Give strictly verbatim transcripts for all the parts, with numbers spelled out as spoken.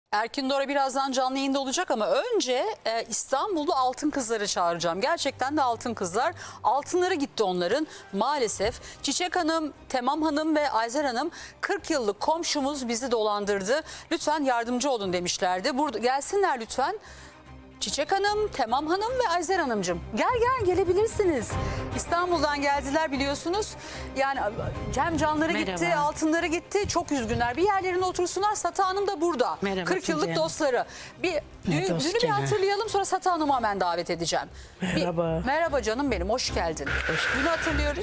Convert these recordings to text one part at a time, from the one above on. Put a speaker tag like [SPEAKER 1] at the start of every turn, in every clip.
[SPEAKER 1] Erkin Dora birazdan canlı yayında olacak ama önce e, İstanbul'da altın kızları çağıracağım. Gerçekten de altın kızlar. Altınları gitti onların maalesef. Çiçek Hanım, Temam Hanım ve Ayzer Hanım kırk yıllık komşumuz bizi dolandırdı. Lütfen yardımcı olun demişlerdi. Burada gelsinler lütfen. Çiçek Hanım, Temam Hanım ve Ayzer Hanımcığım. Gel gel gelebilirsiniz. İstanbul'dan geldiler biliyorsunuz. Yani hem canları
[SPEAKER 2] Merhaba.
[SPEAKER 1] gitti, altınları gitti. Çok üzgünler. Bir yerlerine otursunlar. Sata Hanım da burada.
[SPEAKER 2] Merhaba
[SPEAKER 1] kırk yıllık
[SPEAKER 2] Tuncay.
[SPEAKER 1] dostları. Bir dün,
[SPEAKER 2] dost
[SPEAKER 1] dünü bir
[SPEAKER 2] gene.
[SPEAKER 1] hatırlayalım, sonra Sata Hanım'ı hemen davet edeceğim.
[SPEAKER 3] Merhaba.
[SPEAKER 1] Bir, merhaba canım benim, hoş geldin. Dünü hatırlıyoruz.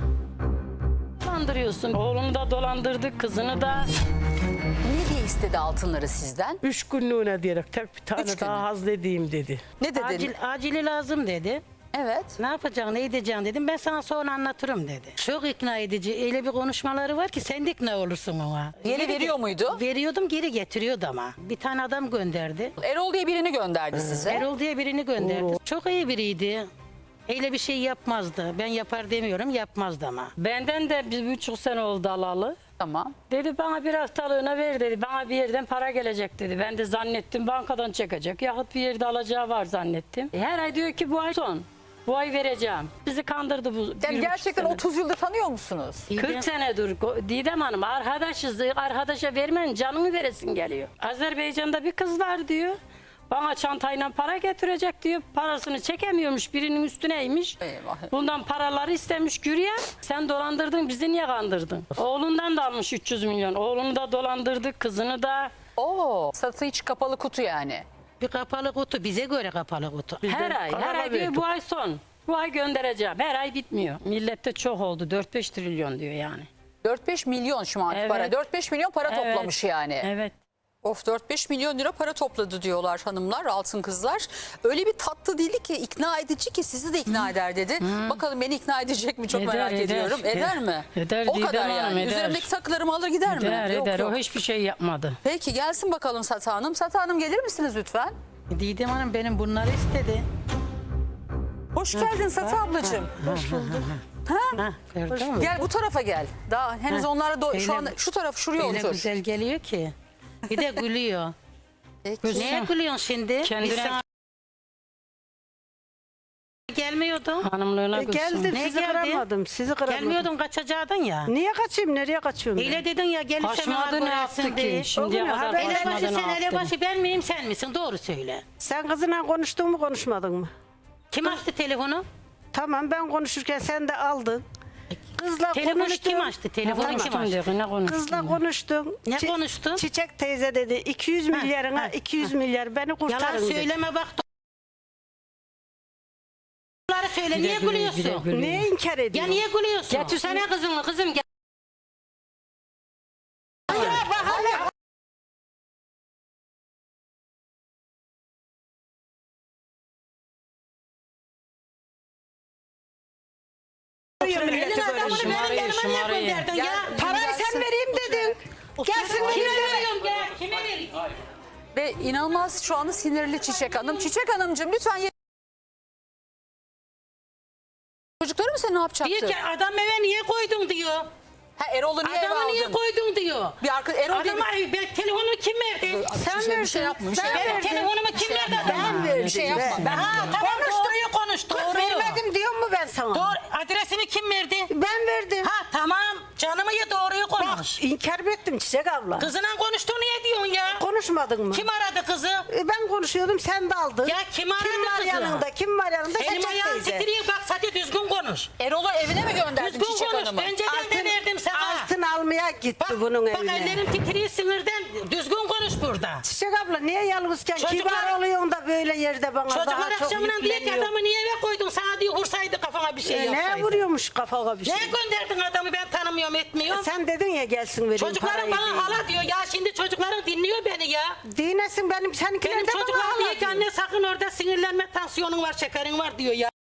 [SPEAKER 4] Dolandırıyorsun. Oğlunu da dolandırdık, kızını da.
[SPEAKER 1] Ne diye istedi altınları sizden?
[SPEAKER 3] Üç günlüğüne diyerek tek bir tane
[SPEAKER 1] Üç
[SPEAKER 3] daha
[SPEAKER 1] günlük.
[SPEAKER 3] hazledeyim dedi.
[SPEAKER 1] Ne dedin?
[SPEAKER 2] Acil, acili lazım dedi.
[SPEAKER 1] Evet.
[SPEAKER 2] Ne yapacaksın, ne edeceksin dedim. Ben sana sonra anlatırım dedi. Çok ikna edici. Öyle bir konuşmaları var ki sen de ikna olursun ona.
[SPEAKER 1] Geri veriyor muydu?
[SPEAKER 2] Veriyordum, geri getiriyordu ama. Bir tane adam gönderdi.
[SPEAKER 1] Erol diye birini gönderdi size.
[SPEAKER 2] Erol diye birini gönderdi. Çok iyi biriydi. Öyle bir şey yapmazdı. Ben yapar demiyorum, yapmazdı ama.
[SPEAKER 4] Benden de bir buçuk sene oldu alalı.
[SPEAKER 1] Tamam.
[SPEAKER 4] Dedi bana bir haftalığına ver dedi. Bana bir yerden para gelecek dedi. Ben de zannettim bankadan çekecek. Yahut bir yerde alacağı var zannettim. E, Her ay diyor ki bu ay son. Bu ay vereceğim. Bizi kandırdı bu. bir
[SPEAKER 1] Yani
[SPEAKER 4] buçuk
[SPEAKER 1] gerçekten
[SPEAKER 4] sene.
[SPEAKER 1] otuz yıldır tanıyor musunuz?
[SPEAKER 4] kırk senedir Go- Didem Hanım arkadaşız. Arkadaşa vermen canını veresin geliyor. Azerbaycan'da bir kız var diyor. Bana çantayla para getirecek diyor. Parasını çekemiyormuş. Birinin üstüneymiş.
[SPEAKER 1] Eyvah.
[SPEAKER 4] Bundan paraları istemiş Gürye. Sen dolandırdın, bizi niye kandırdın? Oğlundan da almış üç yüz milyon. Oğlunu da dolandırdık, kızını da.
[SPEAKER 1] Oo, satı hiç kapalı kutu yani.
[SPEAKER 2] Bir kapalı kutu, bize göre kapalı kutu.
[SPEAKER 4] Her ay, her
[SPEAKER 3] para
[SPEAKER 4] ay diyor
[SPEAKER 3] verdik.
[SPEAKER 4] bu ay son. Bu ay göndereceğim. Her ay bitmiyor. Millette çok oldu. dört beş trilyon diyor yani.
[SPEAKER 1] dört beş milyon şu anki
[SPEAKER 4] Evet.
[SPEAKER 1] para. dört beş milyon para
[SPEAKER 4] Evet.
[SPEAKER 1] toplamış yani.
[SPEAKER 4] Evet.
[SPEAKER 1] Of, dört beş milyon lira para topladı diyorlar hanımlar, altın kızlar. Öyle bir tatlı dili ki, ikna edici ki sizi de ikna eder dedi. Bakalım beni ikna edecek mi, çok
[SPEAKER 4] Eder,
[SPEAKER 1] merak
[SPEAKER 4] eder.
[SPEAKER 1] ediyorum. Eder
[SPEAKER 4] Eder.
[SPEAKER 1] mi?
[SPEAKER 4] Eder,
[SPEAKER 1] O
[SPEAKER 4] Didem
[SPEAKER 1] kadar
[SPEAKER 4] Hanım,
[SPEAKER 1] yani.
[SPEAKER 4] eder.
[SPEAKER 1] Üzerimdeki takılarımı alır gider mi?
[SPEAKER 4] Eder
[SPEAKER 1] Yok,
[SPEAKER 4] eder.
[SPEAKER 1] yok.
[SPEAKER 4] O hiçbir şey yapmadı.
[SPEAKER 1] Peki gelsin bakalım Sata Hanım. Sata Hanım gelir misiniz lütfen?
[SPEAKER 2] Didem Hanım benim bunları istedi.
[SPEAKER 1] Hoş geldin Sata ablacığım.
[SPEAKER 2] Hoş bulduk. Ha, gördün mü?
[SPEAKER 1] Gel bu tarafa gel. Daha henüz onlara do-
[SPEAKER 2] Öyle-
[SPEAKER 1] şu anda şu taraf şuraya
[SPEAKER 2] Öyle
[SPEAKER 1] otur.
[SPEAKER 2] güzel geliyor ki. Bir de gülüyor.
[SPEAKER 1] Peki.
[SPEAKER 2] Neye gülüyorsun şimdi?
[SPEAKER 4] Kendine-
[SPEAKER 2] Biz sana gelmiyordun.
[SPEAKER 4] Hanımlığına
[SPEAKER 3] E,
[SPEAKER 4] gülsün.
[SPEAKER 3] geldim
[SPEAKER 2] Ne
[SPEAKER 3] sizi
[SPEAKER 2] geldi?
[SPEAKER 3] kıramadım. Sizi kıramadım.
[SPEAKER 2] Gelmiyordun, kaçacaktın ya.
[SPEAKER 3] Niye kaçayım? Nereye kaçıyorum? ben?
[SPEAKER 2] Öyle dedin ya, gelirsen
[SPEAKER 4] Kaçmadı, ne yaptı ki? Şimdiye
[SPEAKER 3] O gün
[SPEAKER 4] kadar
[SPEAKER 3] haber-
[SPEAKER 2] Elebaşı
[SPEAKER 4] kaçmadı,
[SPEAKER 2] sen,
[SPEAKER 4] ne yaptı?
[SPEAKER 2] elebaşı ben miyim, sen misin? Doğru söyle.
[SPEAKER 3] Sen kızınla konuştun mu konuşmadın mı?
[SPEAKER 2] Kim açtı telefonu?
[SPEAKER 3] Tamam, ben konuşurken sen de aldın. Kızla
[SPEAKER 2] Telefonu
[SPEAKER 3] konuştun.
[SPEAKER 2] kim açtı? Telefonu
[SPEAKER 3] Tamam.
[SPEAKER 2] kim açtı?
[SPEAKER 4] Diyor, ne konuştun?
[SPEAKER 3] Kızla konuştun.
[SPEAKER 2] Ne
[SPEAKER 3] Çi-
[SPEAKER 2] konuştun?
[SPEAKER 3] Çiçek teyze dedi iki yüz milyarına
[SPEAKER 2] ha,
[SPEAKER 3] iki yüz milyar beni kurtarın
[SPEAKER 2] Yalan
[SPEAKER 3] dedi.
[SPEAKER 2] söyleme bak. Bunları söyle,
[SPEAKER 4] Bir de
[SPEAKER 2] niye
[SPEAKER 4] gülüyor, bir de
[SPEAKER 2] gülüyorsun?
[SPEAKER 4] gülüyor.
[SPEAKER 3] Niye inkar
[SPEAKER 2] Ya
[SPEAKER 3] ediyorsun?
[SPEAKER 2] niye gülüyorsun?
[SPEAKER 4] Getirsene kızını, kızım gel.
[SPEAKER 3] Milleti
[SPEAKER 2] Elin
[SPEAKER 3] böyle
[SPEAKER 2] adamını
[SPEAKER 3] şey.
[SPEAKER 2] benim yanıma niye
[SPEAKER 4] şımarayı.
[SPEAKER 2] gönderdin ya?
[SPEAKER 3] Parayı sen vereyim dedin. Gelsin
[SPEAKER 2] Kime
[SPEAKER 3] yine de.
[SPEAKER 2] veriyorum ya? Kime vereyim?
[SPEAKER 1] Ve inanılmaz şu anda sinirli Çiçek Hanım. Çiçek Hanımcığım lütfen ye- Çocukları mı sen ne yapacaktın?
[SPEAKER 2] Diyor ki adam eve niye koydun diyor.
[SPEAKER 1] Ha, Erol'u niye eve
[SPEAKER 2] Adamı niye
[SPEAKER 1] aldın?
[SPEAKER 2] koydun diyor.
[SPEAKER 1] Bir arka, Erol diye
[SPEAKER 2] Adama
[SPEAKER 1] bir...
[SPEAKER 2] ben telefonumu kim verdi?
[SPEAKER 1] Sen bir şey, bir şey yapma, bir şey
[SPEAKER 3] sen
[SPEAKER 1] yapma.
[SPEAKER 2] Ben
[SPEAKER 3] verdin.
[SPEAKER 2] telefonumu kim verdi adama?
[SPEAKER 3] verdim.
[SPEAKER 1] Bir şey yapma.
[SPEAKER 3] Ben-
[SPEAKER 1] Ben,
[SPEAKER 2] Ha tamam, doğruyu konuş, doğruyu.
[SPEAKER 3] Vermedim diyor mu ben sana?
[SPEAKER 2] Doğru, adresini kim verdi?
[SPEAKER 3] Ben verdim.
[SPEAKER 2] Ha tamam, canımı ye, doğruyu konuş.
[SPEAKER 3] İnkar mı ettim Çiçek abla?
[SPEAKER 2] Kızına konuştu, niye diyorsun ya?
[SPEAKER 3] Konuşmadın mı?
[SPEAKER 2] Kim aradı kızı?
[SPEAKER 3] E, Ben konuşuyordum sen de aldın.
[SPEAKER 2] Ya kim aradı
[SPEAKER 3] Kim var
[SPEAKER 2] kızı?
[SPEAKER 3] yanında? Kim var yanında?
[SPEAKER 2] Elim
[SPEAKER 3] Çiçek
[SPEAKER 2] ayağım
[SPEAKER 3] teyze.
[SPEAKER 2] titriyor, bak Fatih düzgün konuş.
[SPEAKER 1] Erol'u evine mi gönderdin
[SPEAKER 2] Düzgün
[SPEAKER 1] Çiçek
[SPEAKER 2] konuş,
[SPEAKER 1] Hanım'ı?
[SPEAKER 2] önceden de verdim sana.
[SPEAKER 3] Altın almaya gitti
[SPEAKER 2] Bak,
[SPEAKER 3] bunun
[SPEAKER 2] bak
[SPEAKER 3] evine.
[SPEAKER 2] ellerim titriyor sinirden, düzgün konuş burada.
[SPEAKER 3] Çiçek abla niye yalnızken
[SPEAKER 2] Çocuklar-
[SPEAKER 3] kibar oluyorsun da böyle yerde bana
[SPEAKER 2] Çocuklar
[SPEAKER 3] daha çok
[SPEAKER 2] akşamına diyor ki
[SPEAKER 3] yükleniyor.
[SPEAKER 2] adamı niye eve koydun, sana diyor vursaydı kafana bir şey
[SPEAKER 3] E,
[SPEAKER 2] yapsaydı.
[SPEAKER 3] ne vuruyormuş kafana bir şey?
[SPEAKER 2] Neye gönderdin adamı, ben tanımıyorum etmiyorum.
[SPEAKER 3] Sen dedin ya gelsin vereyim
[SPEAKER 2] Çocuklarım
[SPEAKER 3] parayı
[SPEAKER 2] bana
[SPEAKER 3] diye.
[SPEAKER 2] hala diyor ya, şimdi çocukların dinliyor beni ya.
[SPEAKER 3] Dinesin benim seninkiler
[SPEAKER 2] Benim
[SPEAKER 3] de bana
[SPEAKER 2] çocuklarım
[SPEAKER 3] hala
[SPEAKER 2] diyor ki
[SPEAKER 3] diyor.
[SPEAKER 2] anne sakın orada sinirlenme, tansiyonun var, şekerin var diyor ya.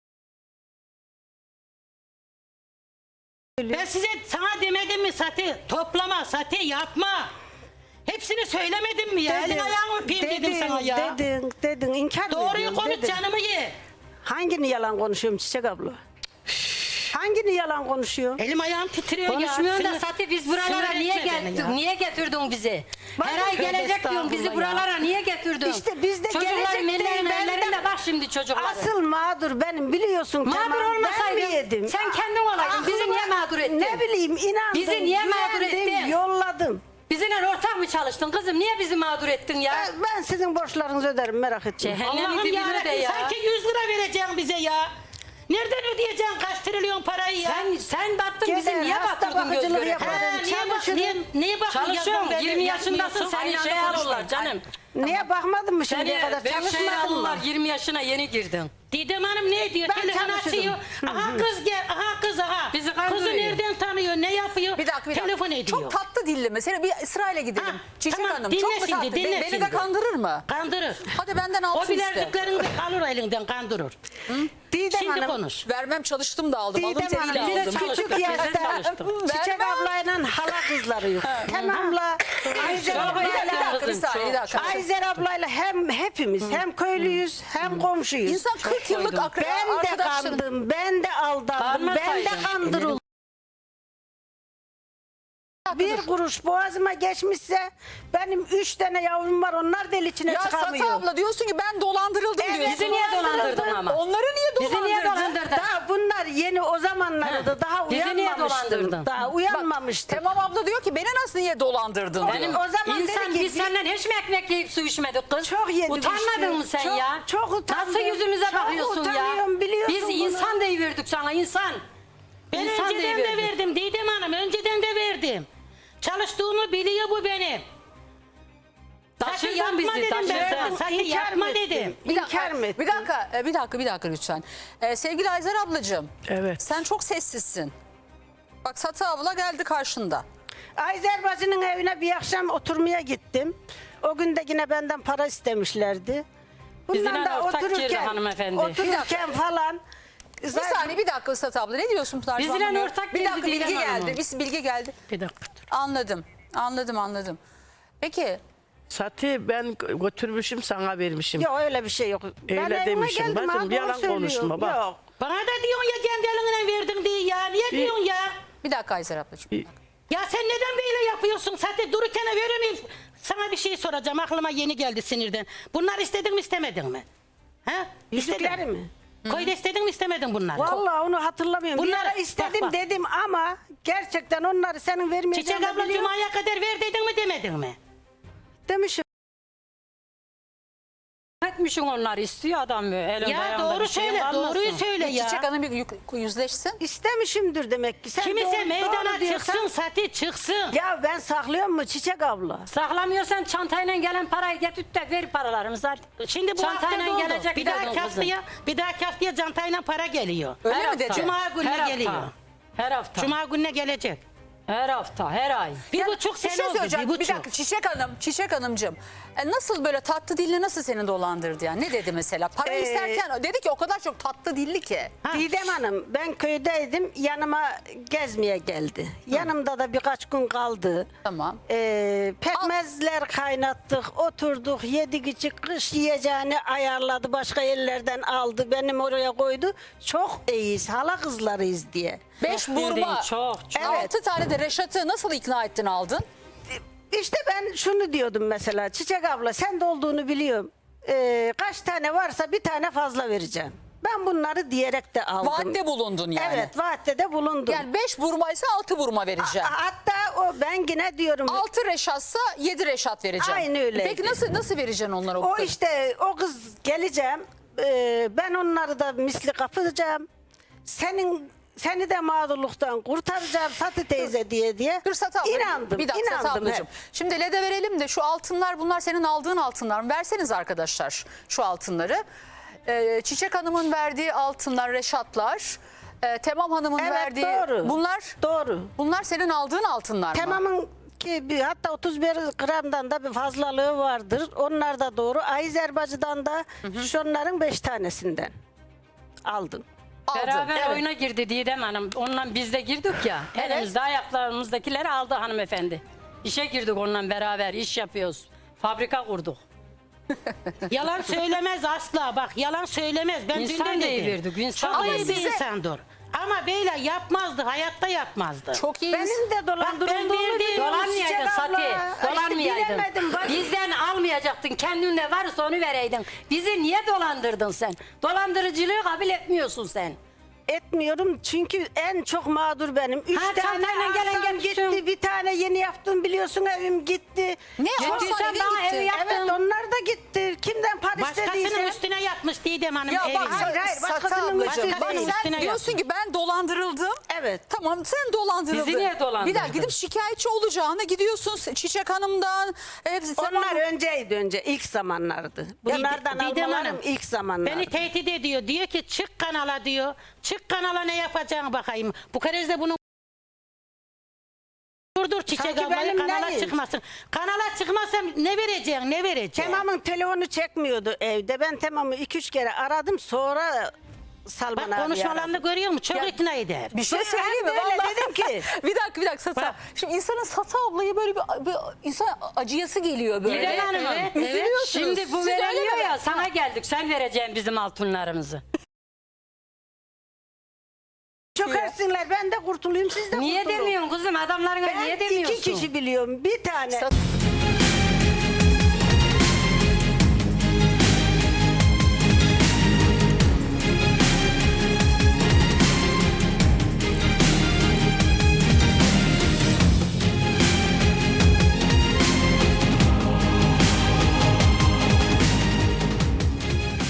[SPEAKER 2] Ben size sana demedim mi Sati? Toplama Sati, yapma. Hepsini söylemedim mi ya? Elin ayağını öpeyim dedim sana ya.
[SPEAKER 3] Dedin, dedin, inkar mı
[SPEAKER 2] Doğruyu
[SPEAKER 3] ediyorsun?
[SPEAKER 2] konuş,
[SPEAKER 3] Dedin.
[SPEAKER 2] canımı ye.
[SPEAKER 3] Hangini yalan konuşuyorum Çiçek abla? Hangini yalan konuşuyor?
[SPEAKER 2] Elim ayağım titriyor ya.
[SPEAKER 4] Konuşmuyorsun da
[SPEAKER 2] Sinir-
[SPEAKER 4] Sati biz buralara
[SPEAKER 2] sinir
[SPEAKER 4] niye
[SPEAKER 2] etme beni
[SPEAKER 4] getirdin?
[SPEAKER 2] ya.
[SPEAKER 4] Niye getirdin bizi?
[SPEAKER 3] Bak,
[SPEAKER 4] Her ay
[SPEAKER 2] tövbe
[SPEAKER 4] gelecek diyorsun bizi
[SPEAKER 2] estağfurullah ya.
[SPEAKER 4] buralara niye getirdin?
[SPEAKER 3] İşte biz de
[SPEAKER 4] Çocukların
[SPEAKER 3] gelecek değil,
[SPEAKER 4] ellerinde
[SPEAKER 3] ben de-
[SPEAKER 4] ellerinde bak şimdi çocukların.
[SPEAKER 3] Asıl mağdur benim biliyorsun.
[SPEAKER 4] Mağdur
[SPEAKER 3] tamam, ben mi
[SPEAKER 4] olmasaydın
[SPEAKER 3] yedim?
[SPEAKER 4] sen kendin olaydın. Bizi
[SPEAKER 3] Aklıma-
[SPEAKER 4] niye mağdur ettin?
[SPEAKER 3] Ne bileyim inandım.
[SPEAKER 4] Bizi niye mağdur
[SPEAKER 3] güvendim,
[SPEAKER 4] ettin?
[SPEAKER 3] Yolladım.
[SPEAKER 4] Bizimle ortak mı çalıştın kızım? Niye bizi mağdur ettin ya?
[SPEAKER 3] Ben, ben sizin borçlarınızı öderim merak etmeyin.
[SPEAKER 4] Cehennemin
[SPEAKER 2] Allah'ım
[SPEAKER 4] dibine de
[SPEAKER 2] yarabbim
[SPEAKER 4] ya.
[SPEAKER 2] sanki yüz lira vereceksin bize ya. Nereden ödeyeceksin kaç trilyon parayı ya?
[SPEAKER 4] Sen sen battın
[SPEAKER 3] Gezer,
[SPEAKER 4] bizi niye
[SPEAKER 3] hasta
[SPEAKER 4] batırdın göz
[SPEAKER 3] bakıcılık
[SPEAKER 4] göre?
[SPEAKER 3] yapar.
[SPEAKER 2] Ha, niye, bak,
[SPEAKER 3] Çalışırım.
[SPEAKER 2] niye, niye bakıyorsun?
[SPEAKER 4] Çalışıyorum.
[SPEAKER 2] Ben-
[SPEAKER 4] yirmi yaşındasın
[SPEAKER 2] yapmıyorsun?
[SPEAKER 4] seni
[SPEAKER 2] Aynı
[SPEAKER 4] şey
[SPEAKER 2] anda
[SPEAKER 4] alırlar
[SPEAKER 2] konuşma.
[SPEAKER 4] canım.
[SPEAKER 3] Niye bakmadın mı şimdiye
[SPEAKER 4] Seni
[SPEAKER 3] kadar?
[SPEAKER 4] büyük şey
[SPEAKER 3] Çalışmadın mı?
[SPEAKER 4] alırlar. yirmi yaşına yeni girdin.
[SPEAKER 2] Didem Hanım ne diyor?
[SPEAKER 3] Ben
[SPEAKER 2] Telefon
[SPEAKER 3] çalışırım.
[SPEAKER 2] açıyor. Aha kız gel, aha kız aha.
[SPEAKER 4] Bizi
[SPEAKER 2] Kızı
[SPEAKER 4] kandırıyor.
[SPEAKER 2] nereden tanıyor, ne yapıyor?
[SPEAKER 1] Bir dakika bir dakika.
[SPEAKER 2] Telefon ediyor.
[SPEAKER 1] Çok tatlı dilli mi? Seni bir sırayla gidelim.
[SPEAKER 2] Ha,
[SPEAKER 1] Çiçek
[SPEAKER 2] tamam,
[SPEAKER 1] Hanım
[SPEAKER 2] dinle
[SPEAKER 1] çok mu
[SPEAKER 2] şimdi,
[SPEAKER 1] tatlı?
[SPEAKER 2] dinle
[SPEAKER 1] Beni, beni de
[SPEAKER 2] şimdi.
[SPEAKER 1] kandırır mı?
[SPEAKER 2] Kandırır.
[SPEAKER 1] Hadi benden
[SPEAKER 2] O
[SPEAKER 1] altın iste.
[SPEAKER 2] bileziklerini de alır elinden kandırır.
[SPEAKER 3] Didem
[SPEAKER 2] Şimdi
[SPEAKER 3] Hanım.
[SPEAKER 2] konuş.
[SPEAKER 1] Vermem çalıştım da aldım. Alın
[SPEAKER 3] Didem
[SPEAKER 1] teriyle
[SPEAKER 3] Hanım,
[SPEAKER 1] aldım.
[SPEAKER 3] biz
[SPEAKER 4] çalıştık,
[SPEAKER 3] küçük
[SPEAKER 4] biz de
[SPEAKER 3] yaşta
[SPEAKER 4] çalıştık.
[SPEAKER 3] Çiçek
[SPEAKER 1] Vermem.
[SPEAKER 3] ablayla hala kızları yok. Tamamla Ayzer
[SPEAKER 4] Çok
[SPEAKER 1] Bir
[SPEAKER 3] ablayla
[SPEAKER 1] dakika, bir dakika, bir
[SPEAKER 4] Kızım,
[SPEAKER 1] saniye, bir
[SPEAKER 4] çok,
[SPEAKER 1] dakika.
[SPEAKER 3] Ayzer ablayla hem hepimiz hem köylüyüz hem komşuyuz.
[SPEAKER 1] İnsan kırk yıllık
[SPEAKER 4] koydum.
[SPEAKER 1] akraba
[SPEAKER 3] ben de
[SPEAKER 1] arkadaşların.
[SPEAKER 3] kandım, ben de aldandım, ben de
[SPEAKER 4] Bağırmasaydın.
[SPEAKER 3] kandırıldım. Bir kuruş boğazıma geçmişse benim üç tane yavrum var, onlar del içine
[SPEAKER 1] Ya
[SPEAKER 3] çıkamıyor.
[SPEAKER 1] Satı abla diyorsun ki ben dolandırıldım
[SPEAKER 3] Evet,
[SPEAKER 1] diyorsun.
[SPEAKER 4] Bizi niye dolandırdın ama?
[SPEAKER 1] Onları niye
[SPEAKER 4] Bizi
[SPEAKER 1] dolandırdın?
[SPEAKER 4] niye dolandırdın?
[SPEAKER 3] Daha bunlar yeni o zamanlarda daha
[SPEAKER 4] Bizi niye
[SPEAKER 3] uyanmamıştım.
[SPEAKER 4] dolandırdın?
[SPEAKER 3] Daha uyanmamıştım.
[SPEAKER 1] Tamam abla diyor ki beni nasıl niye dolandırdın
[SPEAKER 4] Benim
[SPEAKER 1] diyor.
[SPEAKER 3] o zaman
[SPEAKER 4] insan
[SPEAKER 3] dedi ki,
[SPEAKER 4] biz
[SPEAKER 3] bir-
[SPEAKER 4] senden hiç mi ekmek yiyip su içmedik kız?
[SPEAKER 3] Çok yedim
[SPEAKER 4] Utanmadın
[SPEAKER 3] işte.
[SPEAKER 4] mı sen
[SPEAKER 3] Çok-
[SPEAKER 4] ya?
[SPEAKER 3] çok utandım.
[SPEAKER 4] Nasıl yüzümüze
[SPEAKER 3] Çok
[SPEAKER 4] bakıyorsun ya?
[SPEAKER 3] utanıyorum, biliyorsun
[SPEAKER 4] Biz
[SPEAKER 3] bunu.
[SPEAKER 4] insan deyiverdik sana insan.
[SPEAKER 2] Ben
[SPEAKER 4] İnsan
[SPEAKER 2] önceden de
[SPEAKER 4] deyiverdik.
[SPEAKER 2] verdim Didem Hanım, önceden de verdim. Çalıştığımı biliyor bu benim. Sakın
[SPEAKER 4] Taşırdın
[SPEAKER 2] yapma
[SPEAKER 4] bizi,
[SPEAKER 2] dedim ben
[SPEAKER 4] taşırdın.
[SPEAKER 2] sana. Sakın
[SPEAKER 3] İnkar
[SPEAKER 2] yapma
[SPEAKER 3] mı ettin?
[SPEAKER 2] dedim.
[SPEAKER 1] Bir dakika,
[SPEAKER 3] İnkar mı ettin?
[SPEAKER 1] bir dakika, e, bir dakika, bir dakika lütfen. Ee, sevgili Ayzer ablacığım.
[SPEAKER 3] Evet.
[SPEAKER 1] Sen çok sessizsin. Bak Satı abla geldi karşında.
[SPEAKER 3] Ayzer bacının evine bir akşam oturmaya gittim. O gün de yine benden para istemişlerdi.
[SPEAKER 4] Bizimle
[SPEAKER 3] Bundan da
[SPEAKER 4] ortak girdi
[SPEAKER 3] otururken,
[SPEAKER 4] hanımefendi.
[SPEAKER 3] otururken falan.
[SPEAKER 1] Bir saniye bir dakika Satı abla ne diyorsun Pınar?
[SPEAKER 4] Bizimle
[SPEAKER 1] Şu an anlamıyorum.
[SPEAKER 4] ortak
[SPEAKER 1] Bir
[SPEAKER 4] girdi
[SPEAKER 1] dakika
[SPEAKER 4] Didem
[SPEAKER 1] bilgi
[SPEAKER 4] Hanım'ın.
[SPEAKER 1] geldi. Bir bilgi geldi.
[SPEAKER 2] Bir dakika.
[SPEAKER 1] Anladım. Anladım anladım. Peki
[SPEAKER 5] Satı ben götürmüşüm sana vermişim.
[SPEAKER 3] Yok öyle bir şey yok. Ben
[SPEAKER 5] Öyle
[SPEAKER 3] evime
[SPEAKER 5] demişim.
[SPEAKER 3] geldim,
[SPEAKER 5] Bacım,
[SPEAKER 3] ha, doğru
[SPEAKER 5] yalan
[SPEAKER 3] söylüyorum.
[SPEAKER 5] konuşma, bak.
[SPEAKER 3] Yok.
[SPEAKER 2] Bana da diyorsun ya kendi eline verdin diye ya. Niye diyorsun ya?
[SPEAKER 1] bir dakika Ayzer ablacığım.
[SPEAKER 2] Ya sen neden böyle yapıyorsun? Zaten dururken verir miyim? Sana bir şey soracağım. Aklıma yeni geldi sinirden. Bunlar istedin mi istemedin mi? Ha?
[SPEAKER 3] Yüzükleri mi?
[SPEAKER 2] Koyda istedin mi istemedin bunları?
[SPEAKER 3] Vallahi onu hatırlamıyorum. Bir
[SPEAKER 2] Bunları-
[SPEAKER 3] ara istedim
[SPEAKER 2] bak, bak.
[SPEAKER 3] dedim ama gerçekten onları senin vermeyeceğini
[SPEAKER 2] Çiçek abla
[SPEAKER 3] biliyorum.
[SPEAKER 2] Cuma'ya kadar ver dedin mi demedin mi?
[SPEAKER 3] Demişim.
[SPEAKER 4] Etmişsin onları istiyor adam böyle. Elinde
[SPEAKER 2] Ya
[SPEAKER 4] ayağında
[SPEAKER 2] doğru
[SPEAKER 4] bir şey
[SPEAKER 2] söyle,
[SPEAKER 4] kalmasın.
[SPEAKER 2] doğruyu söyle ya.
[SPEAKER 1] Çiçek Hanım bir yük- yüzleşsin.
[SPEAKER 3] İstemişimdir demek ki. Sen
[SPEAKER 2] Kimse
[SPEAKER 3] doğru-
[SPEAKER 2] meydana
[SPEAKER 3] doğru diyorsan-
[SPEAKER 2] çıksın Sati çıksın.
[SPEAKER 3] Ya ben saklıyorum mu Çiçek abla?
[SPEAKER 4] Saklamıyorsan çantayla gelen parayı getir de ver paralarımızı hadi.
[SPEAKER 2] Şimdi bu
[SPEAKER 4] Çantayla
[SPEAKER 2] hafta doldu.
[SPEAKER 4] gelecek
[SPEAKER 2] Bir
[SPEAKER 4] diyordun
[SPEAKER 2] dahaki
[SPEAKER 4] kızım.
[SPEAKER 2] haftaya, bir dahaki haftaya cantayla para geliyor.
[SPEAKER 1] Öyle
[SPEAKER 4] Her
[SPEAKER 1] mi
[SPEAKER 4] hafta.
[SPEAKER 1] dedi?
[SPEAKER 2] Cuma gününe
[SPEAKER 4] Her hafta.
[SPEAKER 2] geliyor.
[SPEAKER 4] Her hafta.
[SPEAKER 2] Cuma gününe gelecek.
[SPEAKER 4] Her hafta, her ay.
[SPEAKER 2] Bir
[SPEAKER 1] Ya,
[SPEAKER 2] buçuk
[SPEAKER 1] bir
[SPEAKER 2] sene
[SPEAKER 1] şey
[SPEAKER 2] oldu.
[SPEAKER 1] söyleyeceğim.
[SPEAKER 2] Bir
[SPEAKER 1] Bir,
[SPEAKER 2] buçuk.
[SPEAKER 1] dakika Çiçek Hanım, Çiçek Hanımcığım. E, nasıl böyle tatlı dilli nasıl seni dolandırdı yani? Ne dedi mesela? Para
[SPEAKER 3] Ee,
[SPEAKER 1] isterken dedi ki o kadar çok tatlı dilli ki.
[SPEAKER 2] Ha.
[SPEAKER 3] Didem Hanım ben köydeydim, yanıma gezmeye geldi. Yanımda da birkaç gün kaldı.
[SPEAKER 1] Tamam.
[SPEAKER 3] Ee, pekmezler kaynattık, oturduk, yedik içik, kış yiyeceğini ayarladı, başka yerlerden aldı, benim oraya koydu. Çok iyiyiz, hala kızlarıyız diye.
[SPEAKER 1] Beş
[SPEAKER 4] bildiğin
[SPEAKER 1] burma.
[SPEAKER 4] çok, çok.
[SPEAKER 3] Evet.
[SPEAKER 1] Altı tane de Reşat'ı nasıl ikna ettin aldın?
[SPEAKER 3] İşte ben şunu diyordum mesela, Çiçek abla sen de olduğunu biliyorum. Ee, kaç tane varsa bir tane fazla vereceğim. Ben bunları diyerek de aldım.
[SPEAKER 1] Vaatte bulundun yani.
[SPEAKER 3] Evet, vaatte de bulundum.
[SPEAKER 1] Yani beş burma ise altı burma vereceğim.
[SPEAKER 3] Hatta o ben yine diyorum.
[SPEAKER 1] Altı Reşat'sa yedi Reşat vereceğim.
[SPEAKER 3] Aynı öyleydi.
[SPEAKER 1] Peki nasıl nasıl vereceksin onlara?
[SPEAKER 3] O
[SPEAKER 1] kadar?
[SPEAKER 3] işte o kız geleceğim. Ee, ben onları da misli kapatacağım. Senin seni de mağdurluktan kurtaracağım Satı teyze diye diye.
[SPEAKER 1] Dur Satı abla.
[SPEAKER 3] İnandım.
[SPEAKER 1] Bir dakika Satı
[SPEAKER 3] inandım
[SPEAKER 1] ablacığım.
[SPEAKER 3] hep.
[SPEAKER 1] Şimdi L E D'e verelim de şu altınlar bunlar senin aldığın altınlar mı? Verseniz arkadaşlar şu altınları. Ee, Çiçek Hanım'ın verdiği altınlar Reşatlar. Ee, Temam Hanım'ın
[SPEAKER 3] Evet,
[SPEAKER 1] verdiği
[SPEAKER 3] doğru.
[SPEAKER 1] bunlar.
[SPEAKER 3] Doğru.
[SPEAKER 1] Bunlar senin aldığın altınlar mı?
[SPEAKER 3] Tamamın ki bir, hatta otuz bir gramdan da bir fazlalığı vardır. Onlar da doğru. Ayzer bacıdan da şunların beş tanesinden aldım.
[SPEAKER 1] Aldın.
[SPEAKER 4] Beraber
[SPEAKER 3] Evet.
[SPEAKER 4] oyuna girdi Didem Hanım. Onunla biz de girdik ya.
[SPEAKER 1] Evet.
[SPEAKER 4] Elimizde ayaklarımızdakileri aldı hanımefendi. İşe girdik onunla beraber. İş yapıyoruz. Fabrika kurduk.
[SPEAKER 2] Yalan söylemez asla. Bak yalan söylemez. Ben
[SPEAKER 4] İnsan
[SPEAKER 2] dünden dedim.
[SPEAKER 4] deyiverdik, insan
[SPEAKER 2] Çok iyi
[SPEAKER 1] deyiverdik.
[SPEAKER 2] bir insandır. Ama böyle yapmazdı, hayatta yapmazdı.
[SPEAKER 1] Çok iyiyiz.
[SPEAKER 3] Benim de dolandırıldığımı
[SPEAKER 2] verdiğim-
[SPEAKER 3] biliyorum.
[SPEAKER 4] Dolanmayaydın
[SPEAKER 3] Çiçek
[SPEAKER 4] Sati.
[SPEAKER 3] abla. İşte
[SPEAKER 4] Dolanmayaydın.
[SPEAKER 3] bilemedim bak.
[SPEAKER 4] Bizden almayacaktın. Kendinde varsa onu vereydin. Bizi niye dolandırdın sen? Dolandırıcılığı kabul etmiyorsun sen.
[SPEAKER 3] Etmiyorum çünkü en çok mağdur benim. Üç
[SPEAKER 4] Ha,
[SPEAKER 3] tane
[SPEAKER 4] çantayla gelen
[SPEAKER 3] arsam
[SPEAKER 4] gelmişsin.
[SPEAKER 3] gitti. Bir tane yeni yaptım biliyorsun evim gitti.
[SPEAKER 1] Ne
[SPEAKER 3] Çok-
[SPEAKER 1] arsan
[SPEAKER 4] Gittiysen
[SPEAKER 1] evin
[SPEAKER 4] bana
[SPEAKER 1] gitti.
[SPEAKER 4] evi yap-
[SPEAKER 3] Evet onlar da gitti. Kimden para
[SPEAKER 2] Başkasının
[SPEAKER 3] istediyse.
[SPEAKER 2] üstüne yapmış Didem Hanım
[SPEAKER 1] Ya
[SPEAKER 2] evini.
[SPEAKER 1] bak
[SPEAKER 3] Hayır, hayır,
[SPEAKER 1] Satı
[SPEAKER 3] başkasının
[SPEAKER 1] ablacığım,
[SPEAKER 3] üstüne
[SPEAKER 1] bak
[SPEAKER 3] değil.
[SPEAKER 1] sen
[SPEAKER 2] Üstüne
[SPEAKER 1] diyorsun ki ben dolandırıldım.
[SPEAKER 3] Evet.
[SPEAKER 1] Tamam sen dolandırıldın.
[SPEAKER 4] Bizi niye dolandırdın?
[SPEAKER 1] Bir dakika gidip şikayetçi olacağına gidiyorsun Çiçek Hanım'dan. Hepsi, tamam.
[SPEAKER 3] Onlar önceydi önce ilk zamanlardı. Bunlardan
[SPEAKER 2] Didem
[SPEAKER 3] almalarım
[SPEAKER 2] Hanım,
[SPEAKER 3] ilk zamanlardı.
[SPEAKER 2] Beni tehdit ediyor. Diyor ki çık kanala diyor. Çık kanala ne yapacağını bakayım. Bu kere de bunu Durdur Çiçek
[SPEAKER 3] Sanki
[SPEAKER 2] ablayı
[SPEAKER 3] benim
[SPEAKER 2] kanala
[SPEAKER 3] neyim?
[SPEAKER 2] çıkmasın. Kanala çıkmasam ne vereceksin ne vereceksin?
[SPEAKER 3] Temam'ın telefonu çekmiyordu evde. Ben Temam'ı iki üç kere aradım sonra Salman
[SPEAKER 2] Bak
[SPEAKER 3] abi
[SPEAKER 2] konuşmalarını
[SPEAKER 3] aradım.
[SPEAKER 2] görüyor musun? Çok
[SPEAKER 1] Ya-
[SPEAKER 2] ikna eder.
[SPEAKER 1] Bir şey
[SPEAKER 3] Ben
[SPEAKER 1] söyleyeyim mi?
[SPEAKER 3] öyle
[SPEAKER 1] Vallahi
[SPEAKER 3] dedim ki.
[SPEAKER 1] bir dakika bir dakika Sata.
[SPEAKER 2] Bak.
[SPEAKER 1] Şimdi insanın Sata ablayı böyle bir, bir insan acıyası geliyor böyle.
[SPEAKER 4] Didem Hanım,
[SPEAKER 2] evet,
[SPEAKER 4] evet.
[SPEAKER 1] Üzülüyorsunuz.
[SPEAKER 4] Şimdi bu
[SPEAKER 1] Siz
[SPEAKER 4] veremiyor
[SPEAKER 1] öyle mi?
[SPEAKER 4] ya, sana geldik. Sen vereceksin bizim altınlarımızı.
[SPEAKER 3] Çökersinler ben de kurtulayım siz de
[SPEAKER 4] Niye
[SPEAKER 3] kurtulun.
[SPEAKER 4] demiyorsun kızım? Adamlarına
[SPEAKER 3] Ben
[SPEAKER 4] niye demiyorsun?
[SPEAKER 3] iki kişi biliyorum bir tane.
[SPEAKER 1] Sat-